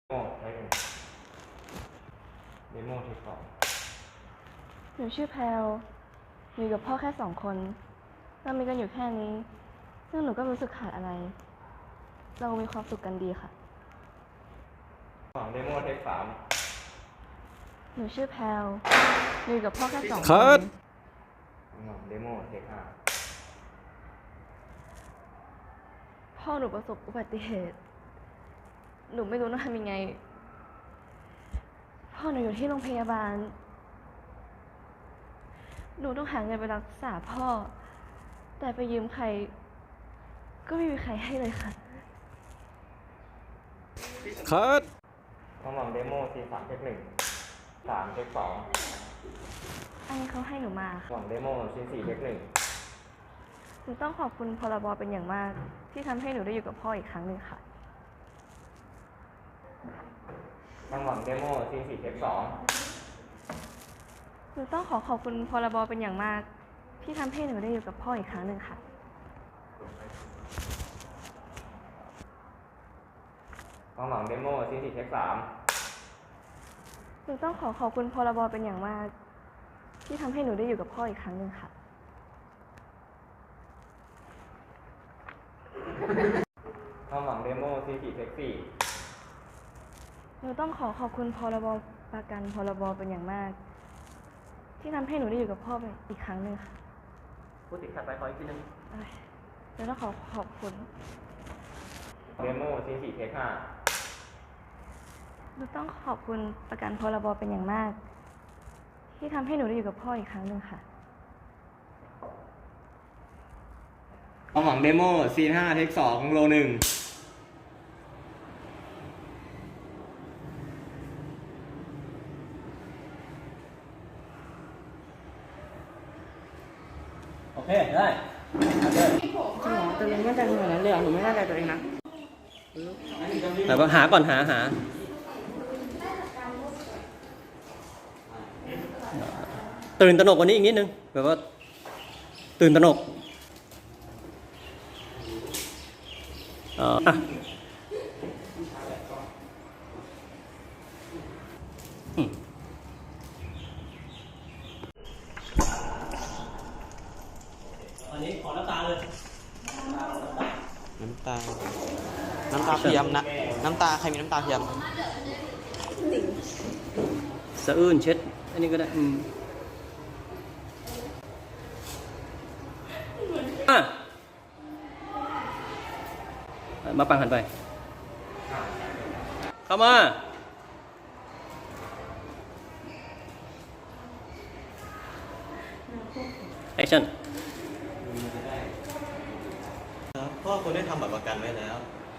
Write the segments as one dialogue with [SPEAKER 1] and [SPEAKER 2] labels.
[SPEAKER 1] โมใช้เป็นเดโมที่สอง
[SPEAKER 2] หนูชื่อแพลวอยู่กับพ่อแค่2 คนเรามีกันอยู่แค่นี้ซึ่งหนูก็รู้สึกขาดอะไรเรามีความสุขกันดีค่ะ
[SPEAKER 1] ของเดโมเทค3
[SPEAKER 2] หนูชื่อแพลวอยู่กับพ่อแค่2 คน
[SPEAKER 1] ของเดโมเทค5
[SPEAKER 2] พ่อหนูประสบอุบัติเหตุหนูไม่รู้ต้องทำยังไงพ่อหนูอยู่ที่โรงพยาบาลหนูต้องหาเงินไปรักษาพ่อแต่ไปยืมใครก็ไม่มีใครให้เลยค่ะ
[SPEAKER 3] คัด
[SPEAKER 1] ของเดโมซี3เทค1 3เทค2
[SPEAKER 2] อันนี้เขาให้หนูมาค่ะ
[SPEAKER 1] ของเดโมซี4เทค1
[SPEAKER 2] หนูต้องขอบคุณพรบเป็นอย่างมากที่ทำให้หนูได้อยู่กับพ่ออีกครั้งหนึ่งค่ะ
[SPEAKER 1] ของเดโมซี4เทค2
[SPEAKER 2] หนูต้องขอบคุณพรบเป็นอย่างมากที่ทำให้หนูได้อยู่กับพ่ออีกครั้งหนึ่งค่ะ
[SPEAKER 1] ของเดโมซี4เทค3
[SPEAKER 2] หนูต้องขอบคุณพรบเป็นอย่างมากที่ทำให้หนูได้อยู่กับพ่ออีกครั้งหนึ่งค่ะ
[SPEAKER 1] ของเดโมซี4เทค4
[SPEAKER 2] หนูต้องขอบคุณพรบประกันพรบเป็นอย่างมากที่ทำให้หนูได้อยู่กับพ่อไปอีกครั้งหนึ่งค่ะ
[SPEAKER 1] พูดติดขัดไปขออีกทีนึง
[SPEAKER 2] หนูต้องขอบคุณ
[SPEAKER 1] เดโมซี4เทค5
[SPEAKER 2] หนูต้องขอบคุณประกันพรบเป็นอย่างมากที่ทำให้หนูได้อยู่กับพ่ออีกครั้งหนึ่งค่ะ
[SPEAKER 1] ของเดโมซี5เทค2โล1
[SPEAKER 3] โอเค ได้
[SPEAKER 4] จริงเหรอแต่หนูไม่มั่นใจขนาดนั้นเลยเหรอหนูไม่มั่นใจตัวเองนะ
[SPEAKER 3] แต่ว่าหาก่อนหาตื่นตระหนกกว่านี้อีกนิดนึงแบบว่าตื่นตระหนกอ่ะอันนี้ขอน้ำตาเลย
[SPEAKER 4] น้ำตาเทียมนะน้ำตาใครมีน้ำตาเทียม
[SPEAKER 3] สะอื้นเช็ดอันนี้ก็ได้มาปังหันไปเข้ามาแอคชั่น
[SPEAKER 4] ครับพ่อคุณได้ทำบัตรประกันไว้แล้ว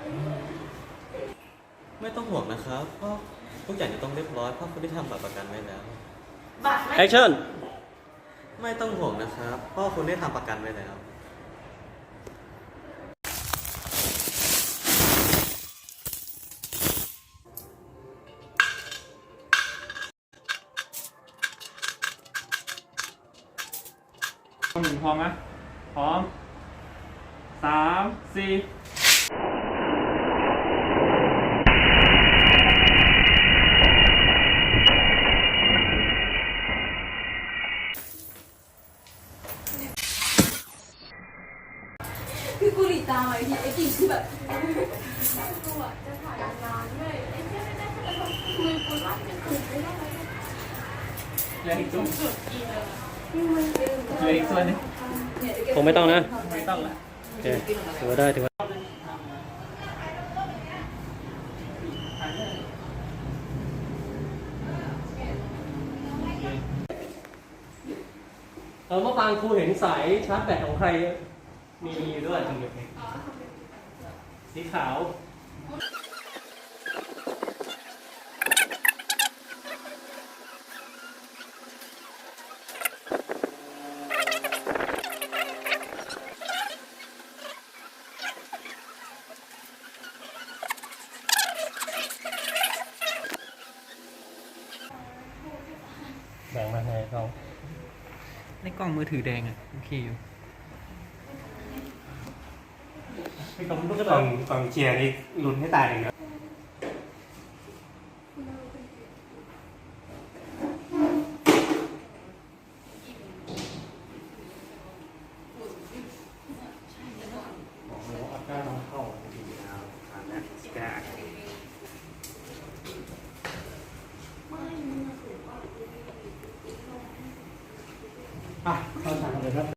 [SPEAKER 4] ไม่ต้องห่วงนะครับพ่อทุกอย่างจะต้องเรียบร้อยพ่อคุณได้ทำบัตรประกันไว้แล้ว
[SPEAKER 3] แอคชั่น
[SPEAKER 4] ไม่ต้องห่วงนะครับพ่อคุณได้ทำประกันไว้แล้ว
[SPEAKER 5] พร้อมไหมพร้อม3 4
[SPEAKER 6] คือกูหลีตามไอ้ทีไอ้กิ่งคือแบบกูอ่ะจะถ่ายงานด้วยไอ้เจ้าไม่ได้จะทำคือกูรักจะถูกไม่ได้
[SPEAKER 5] เลยอีกส่วน
[SPEAKER 6] เลย
[SPEAKER 5] อีกส่วนนึง
[SPEAKER 3] คงไม่ต้องนะ
[SPEAKER 5] ไม่ต้องละ
[SPEAKER 3] โอเคถือว่าได้ถือว่าเมื่อวานครูเห็นสายชาร์จแบตของใครมีอยู่ด้วยสีขาวแบ่งมาให้เขา
[SPEAKER 5] ในกล้องมือถือแดงอ่ะโอเคอยู่
[SPEAKER 1] กองเชียร์นี่ลุ้นให้ตายเลยนะ
[SPEAKER 7] ก็ต้องเข้าดีแล้วอันนั้นแกเข้าทางเลยครับ